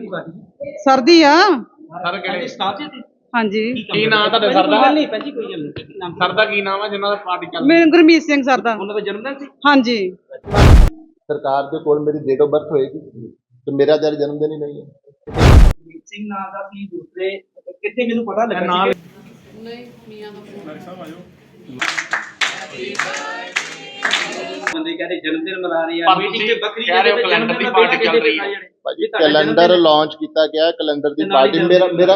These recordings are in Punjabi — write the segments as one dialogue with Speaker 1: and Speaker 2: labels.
Speaker 1: ਪਾਰਟੀ
Speaker 2: ਸਰਦੀ ਆ
Speaker 3: ਸਰ ਕਿਹੜੇ
Speaker 1: ਸਟਾਫ ਜੀ
Speaker 2: ਹਾਂਜੀ।
Speaker 3: ਕੀ ਨਾਮ ਤੁਹਾਡੇ ਸਰ ਦਾ?
Speaker 1: ਨਹੀਂ ਭਾਜੀ ਕੋਈ ਗੱਲ ਨਹੀਂ ਨਾਮ
Speaker 3: ਸਰ ਦਾ ਕੀ ਨਾਮ ਹੈ ਜਿਨ੍ਹਾਂ ਦਾ ਪਾਰਟੀ ਚੱਲ ਰਹੀ
Speaker 2: ਮੇਰੇ ਗੁਰਮੀਤ ਸਿੰਘ ਸਰ ਦਾ।
Speaker 1: ਉਹਨਾਂ ਦਾ ਜਨਮ ਦਿਨ ਸੀ।
Speaker 2: ਹਾਂਜੀ।
Speaker 4: ਸਰਕਾਰ ਦੇ ਕੋਲ ਮੇਰੀ ਡੇਟ ਆਫ ਬਰਥ ਹੋਏਗੀ ਤੇ ਮੇਰਾ ਜਦ ਜਨਮ ਦਿਨ ਹੀ ਨਹੀਂ ਹੈ।
Speaker 1: ਗੁਰਮੀਤ ਸਿੰਘ ਨਾਮ ਦਾ ਸੀ ਦੂਸਰੇ ਕਿੱਥੇ ਮੈਨੂੰ ਪਤਾ ਲੱਗਾ
Speaker 3: ਨਾਲ
Speaker 5: ਨਹੀਂ ਮੀਆਂ ਦਾ ਫੋਨ
Speaker 1: ਬੰਦੇ ਕਹਿੰਦੇ ਜਨਮ ਦਿਨ ਮਨਾ ਰਹੇ ਆ
Speaker 3: ਪਰ
Speaker 1: ਮੀਟਿੰਗ
Speaker 3: ਤੁਸੀਂ
Speaker 1: ਤੇ ਬੱਕਰੀ
Speaker 3: ਕਹਿ ਰਹੇ ਹੋ ਕੈਲੰਡਰ ਦੀ ਪਾਰਟੀ ਚੱਲ ਰਹੀ ਹੈ।
Speaker 4: ਭਾਜੀ ਕੈਲੰਡਰ ਲਾਂਚ ਕੀਤਾ ਗਿਆ, ਕੈਲੰਡਰ ਦੀ ਪਾਰਟੀ ਮੇਰਾ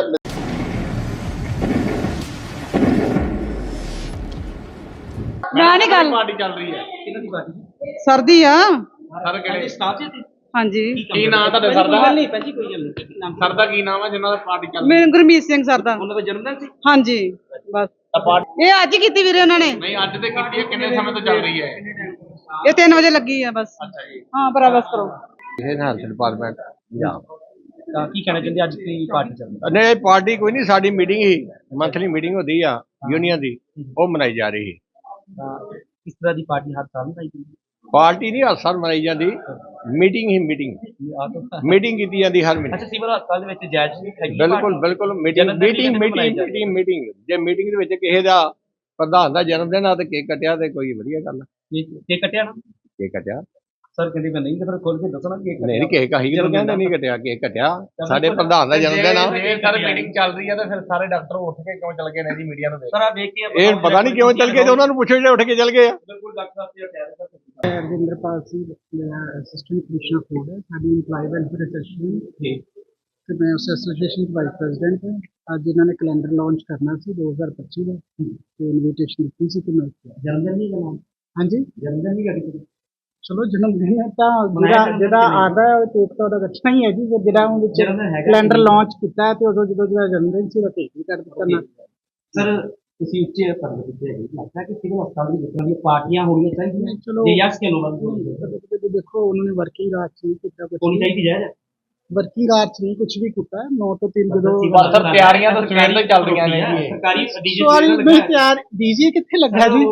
Speaker 2: ਮੈਂ ਨਹੀਂ ਗੱਲ
Speaker 3: ਪਾਰਟੀ ਚੱਲ ਰਹੀ ਹੈ।
Speaker 1: ਕਿਹਨਾਂ ਦੀ ਪਾਰਟੀ
Speaker 2: ਸਰਦੀ ਆ
Speaker 3: ਸਰ ਕਿਹੜੇ
Speaker 1: ਸਟਾਫ ਜੀ
Speaker 2: ਹਾਂਜੀ।
Speaker 3: ਕੀ ਨਾਮ ਤੁਹਾਡੇ ਸਰ ਦਾ?
Speaker 1: ਨਹੀਂ ਭਾਜੀ ਕੋਈ ਗੱਲ ਨਹੀਂ ਨਾਮ
Speaker 3: ਸਰ ਦਾ ਕੀ ਨਾਮ ਹੈ ਜਿਨ੍ਹਾਂ ਦਾ ਪਾਰਟੀ ਚੱਲ ਰਹੀ
Speaker 2: ਮੇਰੇ ਗੁਰਮੀਤ ਸਿੰਘ ਸਰ ਦਾ।
Speaker 1: ਉਹਨਾਂ ਦਾ ਜਨਮ ਦਿਨ ਸੀ।
Speaker 2: ਹਾਂਜੀ ਬਸ
Speaker 3: ਹੈ?
Speaker 2: ਇਹ ਅੱਜ ਹੀ ਕੀਤੀ ਵੀਰੇ ਉਹਨਾਂ ਨੇ।
Speaker 3: ਨਹੀਂ ਅੱਜ ਤੇ ਕੀਤੀ ਹੈ, ਕਿੰਨੇ ਸਮੇਂ ਤੋਂ ਚੱਲ ਰਹੀ ਹੈ?
Speaker 2: ਇਹ 3 ਵਜੇ ਲੱਗੀ ਆ ਬਸ।
Speaker 3: ਅੱਛਾ ਜੀ।
Speaker 2: ਹਾਂ ਭਰਾ ਬਸ ਕਰੋ।
Speaker 6: ਇਹ ਹੈਲਥ ਡਿਪਾਰਟਮੈਂਟ ਪੰਜਾਬ।
Speaker 1: ਤਾਂ ਕੀ ਕਹਿਣਾ ਚਾਹੁੰਦੇ ਅੱਜ ਦੀ ਪਾਰਟੀ ਚੱਲ ਰਹੀ
Speaker 6: ਨਹੀਂ ਪਾਰਟੀ ਕੋਈ ਨਹੀਂ, ਸਾਡੀ ਮੀਟਿੰਗ ਹੀ ਮੰਥਲੀ ਮੀਟਿੰਗ ਹੁੰਦੀ ਆ ਯੂਨੀਅਨ ਦੀ, ਉਹ ਮਨਾਈ ਜਾ ਰਹੀ ਹੈ।
Speaker 1: ਤਾਂ ਕਿਸ ਤਰ੍ਹਾਂ ਦੀ ਪਾਰਟੀ ਹਰ ਸਾਲ ਮਨਾਈ ਜਾਂਦੀ
Speaker 6: ਪਾਰਟੀ ਨਹੀਂ ਹਰ ਸਾਲ ਮਨਾਈ ਜਾਂਦੀ, ਮੀਟਿੰਗ ਹੀ ਮੀਟਿੰਗ ਕੀਤੀ ਜਾਂਦੀ ਹਰ ਮਹੀਨੇ।
Speaker 1: ਅੱਛਾ ਸਿਵਲ ਹਸਪਤਾਲ ਦੇ ਵਿੱਚ ਜਾਇਜ਼ ਨਹੀਂ ਹੈਗੀ
Speaker 6: ਬਿਲਕੁਲ ਬਿਲਕੁਲ ਮੀਟਿੰਗ ਦੇ ਵਿੱਚ ਜੇ ਕਿਸੇ ਦਾ ਪ੍ਰਧਾਨ ਦਾ ਜਨਮ ਦਿਨ ਆ ਤੇ ਕੇਕ ਕੱਟਿਆ ਤੇ ਕੋਈ ਵਧੀਆ ਗੱਲ ਆ।
Speaker 1: ਕੇਕ ਕੱਟਿਆ ਨਾ
Speaker 6: ਕੇਕ ਕੱਟਿਆ
Speaker 1: ਸਰ ਕਹਿੰਦੇ ਮੈਂ ਨਹੀਂ ਤੇ ਫਿਰ ਖੋਲ ਕੇ ਦੱਸੋ ਨਾ ਕੇਕ
Speaker 6: ਨਹੀਂ ਕੇਕ ਆਹੀ ਤਾਂ ਕਹਿੰਦੇ ਨਹੀਂ ਕੱਟਿਆ, ਕੇਕ ਕੱਟਿਆ ਸਾਡੇ ਪ੍ਰਧਾਨ ਦਾ ਜਨਮ ਦਿਨ ਆ।
Speaker 3: ਜੇ ਸਰ ਮੀਟਿੰਗ ਚੱਲ ਰਹੀ ਹੈ ਤਾਂ ਫਿਰ ਸਾਰੇ ਡਾਕਟਰ ਉੱਠ ਕੇ ਕਿਉਂ ਚੱਲ ਗਏ ਨੇ ਜੀ ਮੀਡੀਆ ਨੂੰ ਦੇਖ?
Speaker 1: ਸਰ ਆ ਵੇਖ ਕੇ
Speaker 6: ਇਹ ਪਤਾ ਨਹੀਂ ਕਿਉਂ ਚੱਲ ਗਏ ਤੇ ਉਹਨਾਂ ਨੂੰ ਪੁੱਛੋ ਜਿਹੜੇ ਉੱਠ ਕੇ ਚੱਲ ਗਏ ਆ।
Speaker 1: ਬਿਲਕੁਲ ਡਾਕਟਰ ਸਾਹਿਬ ਜੀ ਕਹਿ ਰਹੇ ਸਰ
Speaker 7: ਰਵਿੰਦਰਪਾਲ ਸਿੰਘ ਮੇਰਾ ਅਸਿਸਟੈਂਟ ਕਮਿਸ਼ਨਰ ਫੂਡ ਹੈ, ਸਾਡੀ ਇੰਪਲਾਈ ਵੈਲਫੇਅਰ ਐਸੋਸੀਏਸ਼ਨ ਤੇ ਮੈਂ ਉਸ ਐਸੋਸੀਏਸ਼ਨ ਦਾ ਵਾਈਸ ਪ੍ਰੈਜ਼ੀਡੈਂਟ ਹਾਂ। ਅੱਜ ਇਹਨਾਂ ਨੇ ਕੈਲੰਡਰ ਲਾਂਚ ਕਰਨਾ ਸੀ 2025 ਦਾ ਤੇ ਇਨਵੀਟੇਸ਼ਨ ਦਿੱਤੀ ਸੀ ਤੇ ਮੈਂ
Speaker 1: ਜਨਮ ਦਿਨ ਨਹੀਂ ਕਰਨਾ।
Speaker 7: ਹਾਂਜੀ
Speaker 1: ਜਨਮ ਦਿਨ ਨਹੀਂ ਕਰਨਾ।
Speaker 7: ਚਲੋ ਜਨਮ ਦਿਨ ਹੈ ਤਾਂ ਜਿਹੜਾ ਆਦਾ ਹੈ ਉਹ ਕੇਕ ਤਾਂ ਉਹਦਾ ਅੱਛਾ ਹੀ ਹੈ ਜੀ। ਜਿਹੜਾ ਉਹ ਵਿੱਚ ਕੈਲੰਡਰ ਲਾਂਚ ਕੀਤਾ ਹੈ ਤੇ ਉਦੋਂ ਜਦੋਂ ਜਿਹੜਾ ਜਨਮ ਦਿਨ ਸੀ ਉਹਦਾ ਕੇਕ ਵੀ ਕੱਟ ਦਿੱਤਾ ਨਾ।
Speaker 1: ਸਰ ਤੁਸੀਂ ਉੱਚੇ ਪਦ ਤੇ ਹੈਗੇ, ਲੱਗਦਾ ਕਿ ਸਿਵਲ ਹਸਪਤਾਲ ਦੀ ਜਿਸ ਦੀਆਂ ਪਾਰਟੀਆਂ ਹੋਣੀਆਂ ਚਾਹੀਦੀਆਂ
Speaker 7: ਚਲੋ
Speaker 1: ਜੇ ਯਸ ਕਿਉਂ ਨਾ
Speaker 7: ਦੇਖੋ ਉਹਨਾਂ ਨੇ ਵਰਕਿੰਗ ਆਰਟ ਚ ਨਹੀਂ ਕੀਤਾ ਕੁਝ,
Speaker 1: ਹੋਣੀ ਚਾਹੀਦੀ ਹੈ।
Speaker 7: ਵਰਕਿੰਗ ਆਰਟ ਚ ਨਹੀਂ ਕੁਝ ਵੀ ਕੀਤਾ। 9 ਤੋਂ 3 ਜਦੋਂ
Speaker 3: ਪਰ ਸਰ ਤਿਆਰੀਆਂ ਤਾਂ ਸਵੇਰ ਤੋਂ ਹੀ ਚੱਲ ਰਹੀਆਂ ਨੇ ਜੀ।
Speaker 1: ਸਰਕਾਰੀ
Speaker 7: ਸਵਾਲ ਨਹੀਂ ਤਿਆਰ ਡੀਜੇ ਕਿੱਥੇ ਲੱਗਾ ਜੀ?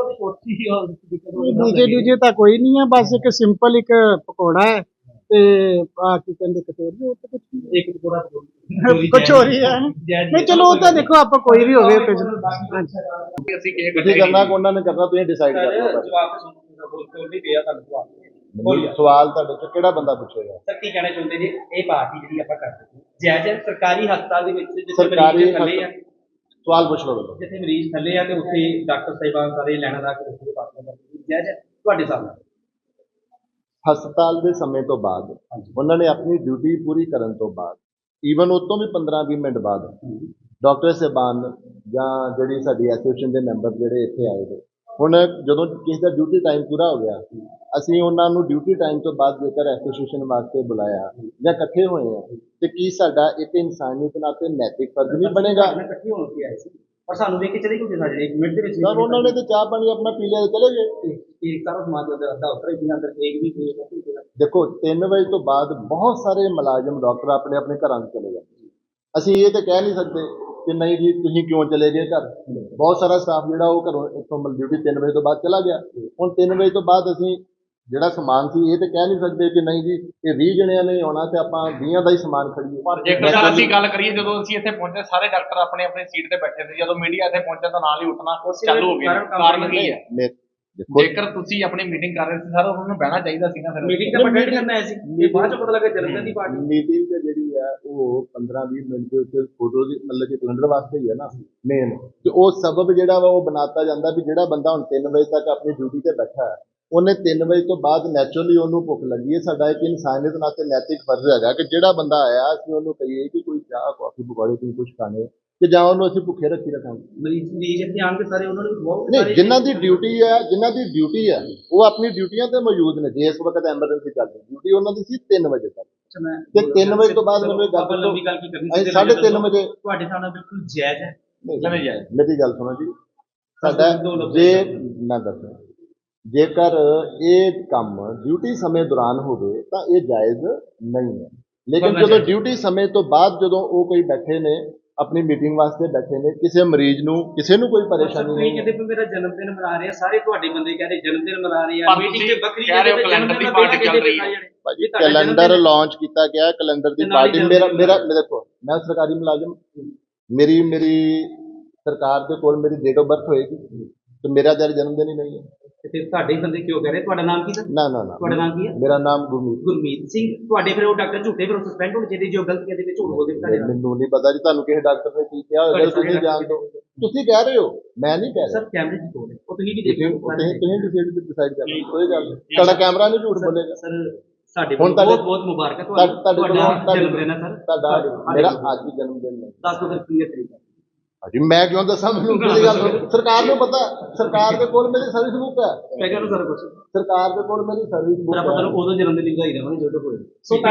Speaker 7: ਡੀਜੇ ਤਾਂ ਕੋਈ ਨਹੀਂ ਹੈ, ਬਸ ਇੱਕ ਸਿੰਪਲ ਇੱਕ ਪਕੌੜਾ ਹੈ ਤੇ ਆ ਕੀ ਕਹਿੰਦੇ ਕਟੋਰੀ, ਉਹ ਤਾਂ ਕੁਝ
Speaker 1: ਇੱਕ ਪਕੌੜਾ
Speaker 7: ਕਚੋਰੀ ਹੈ। ਨਹੀਂ ਚਲੋ ਉਹ ਤਾਂ ਦੇਖੋ ਆਪਾਂ ਕੋਈ ਵੀ ਹੋਵੇ ਤੇ
Speaker 3: ਅਸੀਂ ਕੇਕ
Speaker 4: ਤੁਸੀਂ ਕਰਨਾ ਕਿ ਉਹਨਾਂ ਨੇ ਕਰਨਾ, ਤੁਸੀਂ ਡਿਸਾਈਡ ਕਰ ਲਓ।
Speaker 1: ਜਵਾਬ ਤੇ ਸੁਣ ਨਹੀਂ ਪਿਆ ਤੁਹਾਨੂੰ ਜਵਾਬ।
Speaker 4: ਸਵਾਲ ਤੁਹਾਡੇ ਤੋਂ ਕਿਹੜਾ ਬੰਦਾ ਪੁੱਛੇਗਾ?
Speaker 1: ਸਰ ਕੀ ਕਹਿਣਾ ਚਾਹੁੰਦੇ ਜੀ ਇਹ ਪਾਰਟੀ ਜਿਹੜੀ ਆਪਾਂ ਕਰਦੇ ਜਾਇਜ਼ ਹੈ ਸਰਕਾਰੀ ਹਸਪਤਾਲ ਦੇ ਵਿੱਚ ਜਿੱਥੇ
Speaker 4: ਸਰਕਾਰੀ
Speaker 1: ਮਰੀਜ਼ ਥੱਲੇ ਆ,
Speaker 4: ਸਵਾਲ ਪੁੱਛ ਲਓ।
Speaker 1: ਜਿੱਥੇ ਮਰੀਜ਼ ਥੱਲੇ ਆ ਤੇ ਉੱਥੇ ਡਾਕਟਰ ਸਾਹਿਬਾਨ ਸਾਰੇ ਲੈਣਾ ਦਾ ਕੇ ਉੱਥੇ ਪਾਰਟੀਆਂ ਕਰਦੇ ਜਾਇਜ਼ ਹੈ ਤੁਹਾਡੇ ਸਾਹਮਣੇ?
Speaker 4: ਹਸਪਤਾਲ ਦੇ ਸਮੇਂ ਤੋਂ ਬਾਅਦ ਉਹਨਾਂ ਨੇ ਆਪਣੀ ਡਿਊਟੀ ਪੂਰੀ ਕਰਨ ਤੋਂ ਬਾਅਦ ਈਵਨ ਉਸ ਤੋਂ ਵੀ 15-20 ਮਿੰਟ ਬਾਅਦ ਡਾਕਟਰ ਸਾਹਿਬਾਨ ਜਾਂ ਜਿਹੜੀ ਸਾਡੀ ਐਸੋਸੀਏਸ਼ਨ ਦੇ ਮੈਂਬਰ ਜਿਹੜੇ ਇੱਥੇ ਆਏ ਨੇ, ਹੁਣ ਜਦੋਂ ਕਿਸੇ ਦਾ ਡਿਊਟੀ ਟਾਈਮ ਪੂਰਾ ਹੋ ਗਿਆ ਅਸੀਂ ਉਹਨਾਂ ਨੂੰ ਡਿਊਟੀ ਟਾਈਮ ਤੋਂ ਬਾਅਦ ਜੇਕਰ ਐਸੋਸੀਏਸ਼ਨ ਵਾਸਤੇ ਬੁਲਾਇਆ ਜਾਂ ਇਕੱਠੇ ਹੋਏ ਆ ਤੇ ਕੀ ਸਾਡਾ ਇੱਕ ਇਨਸਾਨੀਅਤ ਨਾਤੇ ਨੈਤਿਕ ਫਰਜ਼ ਨਹੀਂ ਬਣੇਗਾ?
Speaker 1: ਇਕੱਠੇ ਹੋਣ ਕੇ ਆਏ ਸੀ ਪਰ ਸਾਨੂੰ ਵੇਖ ਕੇ ਚਲੇ ਗਏ ਸਾਡੇ 1 ਮਿੰਟ ਦੇ ਵਿੱਚ
Speaker 4: ਸਰ ਉਹਨਾਂ ਨੇ ਤੇ ਚਾਹ ਪਾਣੀ ਆਪਣਾ ਪੀ ਲਿਆ ਤੇ ਚਲੇ ਗਏ।
Speaker 1: ਇੱਕ ਸਾਰਾ ਸਮਾਜ ਦਾ ਅੱਧਾ ਉੱਤਰ ਹੀ ਅੰਦਰ ਕੇਕ ਵੀ
Speaker 4: ਦੇਖੋ 3 ਵਜੇ ਤੋਂ ਬਾਅਦ ਬਹੁਤ ਸਾਰੇ ਮੁਲਾਜ਼ਮ ਡਾਕਟਰ ਆਪਣੇ ਆਪਣੇ ਘਰਾਂ ਨੂੰ ਚਲੇ ਜਾਂਦੇ। ਅਸੀਂ ਇਹ ਤਾਂ ਕਹਿ ਨਹੀਂ ਸਕਦੇ ਕਿ ਨਹੀਂ ਜੀ ਤੁਸੀਂ ਕਿਉਂ ਚਲੇ ਗਏ ਘਰ। ਬਹੁਤ ਸਾਰਾ ਸਟਾਫ ਜਿਹੜਾ ਉਹ ਘਰੋਂ ਇੱਥੋਂ ਡਿਊਟੀ 3 ਵਜੇ ਤੋਂ ਬਾਅਦ ਚਲਾ ਗਿਆ। ਹੁਣ 3 ਵਜੇ ਤੋਂ ਬਾਅਦ ਅਸੀਂ ਜਿਹੜਾ ਸਮਾਨ ਸੀ ਇਹ ਤਾਂ ਕਹਿ ਨਹੀਂ ਸਕਦੇ ਕਿ ਨਹੀਂ ਜੀ ਇਹ 20 ਜਣਿਆਂ ਨੇ ਆਉਣਾ ਤੇ ਆਪਾਂ 20 ਦਾ ਹੀ ਸਮਾਨ ਖੜੀਏ।
Speaker 3: ਪਰ ਜੇਕਰ ਅਸੀਂ ਗੱਲ ਕਰੀਏ ਜਦੋਂ ਅਸੀਂ ਇੱਥੇ ਪਹੁੰਚੇ ਸਾਰੇ ਡਾਕਟਰ ਆਪਣੇ ਆਪਣੀ ਸੀਟ ਤੇ ਬੈਠੇ ਸੀ, ਜਦੋਂ ਮੀਡੀਆ ਇੱਥੇ ਪਹੁੰਚਿਆ ਤਾਂ ਨਾਲ ਹੀ ਉੱਠਣਾ ਚਾਲੂ ਹੋ ਗਿਆ। ਕਾਰਨ ਕੀ ਹੈ? ਜੇਕਰ ਤੁਸੀਂ ਆਪਣੀ ਮੀਟਿੰਗ ਕਰ ਰਹੇ ਸੀ ਸਰ ਉਹਨਾਂ ਨੂੰ ਬਹਿਣਾ ਚਾਹੀਦਾ ਸੀ ਨਾ। ਫਿਰ
Speaker 1: ਮੀਟਿੰਗ ਤਾਂ ਅਟੈਂਡ ਕਰਨਾ ਆਇਆ ਸੀ, ਇਹ ਬਾਅਦ ਚ ਪਤਾ ਲੱਗਾ ਜਨਮ ਦਿਨ ਦੀ ਪਾਰਟੀ।
Speaker 4: ਮੀਟਿੰਗ ਤੇ ਜਿਹੜੀ ਹੈ ਉਹ 15-20 ਮਿੰਟ ਦੇ ਉੱਤੇ ਫੋਟੋ ਦੀ ਮਤਲਬ ਕਿ ਕੈਲੰਡਰ ਵਾਸਤੇ ਹੀ ਹੈ ਨਾ ਮੇਨ, ਤੇ ਉਹ ਸਬਬ ਜਿਹੜਾ ਵਾ ਉਹ ਬਣਾਤਾ ਜਾਂਦਾ ਵੀ ਜਿਹੜਾ ਬੰਦਾ ਹੁਣ 3 ਵਜੇ ਤੱਕ ਆਪਣੀ ਡਿਊਟੀ ਤੇ ਬੈਠਾ ਹੈ ਉਹਨੇ 3 ਵਜੇ ਤੋਂ ਬਾਅਦ ਨੈਚੁਰਲੀ ਉਹਨੂੰ ਭੁੱਖ ਲੱਗੀ ਹੈ। ਸਾਡਾ ਇੱਕ ਇਨਸਾਨੀਅਤ ਨਾਤੇ ਨੈਤਿਕ ਫਰਜ਼ ਹੈਗਾ ਕਿ ਜਿਹੜਾ ਬੰਦਾ ਆਇਆ ਅਸੀਂ ਉਹਨੂੰ ਕਹੀਏ ਕਿ ਕੋਈ ਚਾਹ ਕਾਫੀ ਪਕੌੜੇ ਤੁਸੀਂ ਕੁਝ ਖਾਣੇ ਕਿ ਜਾਂ ਉਹਨੂੰ ਅਸੀਂ ਭੁੱਖੇ ਰੱਖੀ ਰੱਖਾਂਗੇ।
Speaker 1: ਮਰੀਜ਼ ਇੱਥੇ ਆਣ ਕੇ ਸਾਰੇ ਉਹਨਾਂ ਨੂੰ ਬਹੁਤ
Speaker 4: ਨਹੀਂ, ਜਿਨ੍ਹਾਂ ਦੀ ਡਿਊਟੀ ਹੈ ਉਹ ਆਪਣੀ ਡਿਊਟੀਆਂ ਤੇ ਮੌਜੂਦ ਨੇ। ਜੇ ਇਸ ਵਕਤ ਐਮਰਜੈਂਸੀ ਚੱਲ ਰਹੀ ਡਿਊਟੀ ਉਹਨਾਂ ਦੀ ਸੀ 3 ਵਜੇ ਤੱਕ ਤੇ 3 ਵਜੇ ਤੋਂ ਬਾਅਦ ਮੈਨੂੰ ਇਹ ਗੱਲ
Speaker 1: ਲੰਬੀ ਗੱਲ ਕੀ ਕਰਨੀ
Speaker 4: ਅਸੀਂ 3:30 ਵਜੇ
Speaker 1: ਤੁਹਾਡੇ ਸਾਹਮਣੇ ਬਿਲਕੁਲ ਜਾਇਜ਼ ਹੈ।
Speaker 3: ਕਿਵੇਂ ਜਾਏ?
Speaker 4: ਮੇਰੀ ਗੱਲ ਸੁਣੋ ਜੀ, ਸਾਡਾ ਜੇ ਮੈਂ ਦੱਸਾਂ ਜੇਕਰ ਇਹ ਕੰਮ ਡਿਊਟੀ ਸਮੇਂ ਦੌਰਾਨ ਹੋਵੇ ਤਾਂ ਇਹ ਜਾਇਜ਼ ਨਹੀਂ ਹੈ, ਲੇਕਿਨ ਜਦੋਂ ਡਿਊਟੀ ਸਮੇਂ ਤੋਂ ਬਾਅਦ ਜਦੋਂ ਉਹ ਕੋਈ ਬੈਠੇ ਨੇ ਆਪਣੀ ਮੀਟਿੰਗ ਵਾਸਤੇ ਬੈਠੇ ਨੇ। ਕਿਸੇ ਮਰੀਜ਼ ਨੂੰ ਕਿਸੇ ਨੂੰ ਕੋਈ ਪਰੇਸ਼ਾਨੀ
Speaker 1: ਤੁਸੀਂ
Speaker 4: ਨਹੀਂ
Speaker 1: ਕਹਿੰਦੇ
Speaker 4: ਹੈ।
Speaker 1: ਵੀ ਮੇਰਾ ਜਨਮ ਦਿਨ ਮਨਾ ਰਹੇ ਆ, ਸਾਰੇ ਤੁਹਾਡੇ ਬੰਦੇ ਕਹਿੰਦੇ ਜਨਮ ਦਿਨ ਮਨਾ ਰਹੇ ਆ,
Speaker 3: ਪਰ
Speaker 1: ਮੀਟਿੰਗ
Speaker 3: ਤੁਸੀਂ
Speaker 1: ਤੇ ਵੱਖਰੀ
Speaker 3: ਕਹਿ ਰਹੇ ਹੋ
Speaker 1: ਕਹਿੰਦੇ
Speaker 3: ਕੈਲੰਡਰ
Speaker 1: ਜਨਮ
Speaker 3: ਦੀ
Speaker 1: ਦਿਨ
Speaker 3: ਪਾਰਟੀ ਚੱਲ
Speaker 1: ਕਹਿੰਦੇ
Speaker 3: ਰਹੀ ਹੈ।
Speaker 4: ਭਾਜੀ
Speaker 1: ਇਹ ਤੁਹਾਡਾ
Speaker 4: ਕੈਲੰਡਰ
Speaker 1: ਜਨਮ
Speaker 4: ਲਾਂਚ ਕੀਤਾ ਗਿਆ, ਕੈਲੰਡਰ ਦੀ
Speaker 1: ਤੇ ਨਾਲ ਹੀ
Speaker 4: ਪਾਰਟੀ
Speaker 1: ਜਨਮ
Speaker 4: ਮੇਰਾ
Speaker 1: ਦਿਨ
Speaker 4: ਦੇਖੋ, ਮੈਂ ਸਰਕਾਰੀ ਮੁਲਾਜ਼ਮ, ਮੇਰੀ ਸਰਕਾਰ ਦੇ ਕੋਲ ਮੇਰੀ ਡੇਟ ਆਫ ਬਰਥ ਹੋਏਗੀ ਤੇ ਮੇਰਾ ਜਨਮ ਦਿਨ ਹੀ ਨਹੀਂ ਹੈ।
Speaker 1: ਤੇ ਫਿਰ ਤੁਹਾਡੇ ਹੀ ਬੰਦੇ ਕਿਉਂ ਕਹਿ ਰਹੇ? ਤੁਹਾਡਾ ਨਾਮ ਕੀ ਸਰ?
Speaker 4: ਨਾ
Speaker 1: ਤੁਹਾਡਾ ਨਾਮ ਕੀ ਹੈ?
Speaker 4: ਮੇਰਾ ਨਾਮ ਗੁਰਮੀਤ।
Speaker 1: ਗੁਰਮੀਤ ਸਿੰਘ। ਤੁਹਾਡੇ ਫਿਰ ਉਹ ਡਾਕਟਰ ਝੂਠੇ, ਫਿਰ ਸਸਪੈਂਡ ਹੋਣੇ ਚਾਹੀਦੇ ਜੋ ਗਲਤੀਆਂ ਦੇ ਵਿੱਚ ਝੂਠ ਬੋਲਦੇ ਤੁਹਾਡੇ ਨਾਲ।
Speaker 4: ਮੈਨੂੰ ਨਹੀਂ ਪਤਾ ਜੀ ਤੁਹਾਨੂੰ ਕਿਸੇ ਡਾਕਟਰ ਨੇ ਕੀ ਕਿਹਾ ਹੋਵੇਗਾ, ਤੁਸੀਂ ਜਾਣਦੇ ਹੋ। ਤੁਸੀਂ ਕਹਿ ਰਹੇ ਹੋ, ਮੈਂ ਨਹੀਂ ਕਹਿ ਰਿਹਾ।
Speaker 1: ਸਰ ਕੈਮਰੇ ਦੀ ਕੋਲ ਹੈ, ਉਹ ਤੁਸੀਂ ਵੀ ਦੇਖੋ।
Speaker 4: ਤੁਸੀਂ ਡਿਸਾਈਡ ਕਰ ਲਓ, ਕੋਈ ਗੱਲ ਨਹੀਂ। ਤੁਹਾਡਾ ਕੈਮਰਾ ਨਹੀਂ ਝੂਠ ਬੋਲੇਗਾ।
Speaker 1: ਸਰ ਸਾਡੇ
Speaker 4: ਹੁਣ
Speaker 1: ਵੱਲੋਂ
Speaker 4: ਤੁਹਾਡੇ-
Speaker 1: ਬਹੁਤ ਬਹੁਤ ਮੁਬਾਰਕ ਹੈ
Speaker 4: ਤੁਹਾਡੇ ਕੋਲ
Speaker 1: ਤੁਹਾਡਾ ਜਨਮ ਦਿਨ ਹੈ ਸਰ।
Speaker 4: ਤੁਹਾਡਾ ਮੇਰਾ ਅੱਜ ਵੀ ਜਨਮ ਦਿਨ ਹੈ।
Speaker 1: ਦੱਸ ਦਿਓ ਫਿਰ ਕੀ ਹੈ ਤਰੀਕਾ?
Speaker 4: ਹਾਂਜੀ ਮੈਂ ਕਿਉਂ ਦੱਸਾਂ, ਮੈਨੂੰ ਕਿਹੜੀ ਗੱਲ ਸਰਕਾਰ ਨੂੰ ਪਤਾ। ਸਰਕਾਰ ਦੇ ਕੋਲ ਮੇਰੀ ਸਰਵਿਸ ਬੁੱਕ ਹੈ।
Speaker 1: ਮੈਂ ਕਹਿੰਦਾ ਸਰ ਕੁਝ
Speaker 4: ਸਰਕਾਰ ਦੇ ਕੋਲ ਮੇਰੀ ਸਰਵਿਸ
Speaker 1: ਫਿਰ
Speaker 4: ਬੁੱਕ
Speaker 1: ਆਪਾਂ
Speaker 4: ਹੈ।
Speaker 1: ਤੁਹਾਨੂੰ ਉਦੋਂ ਜਨਮ ਦਿਨ ਦੀ ਵਧਾਈ ਦੇਵਾਂਗੇ ਜਦੋਂ ਹੋਏ।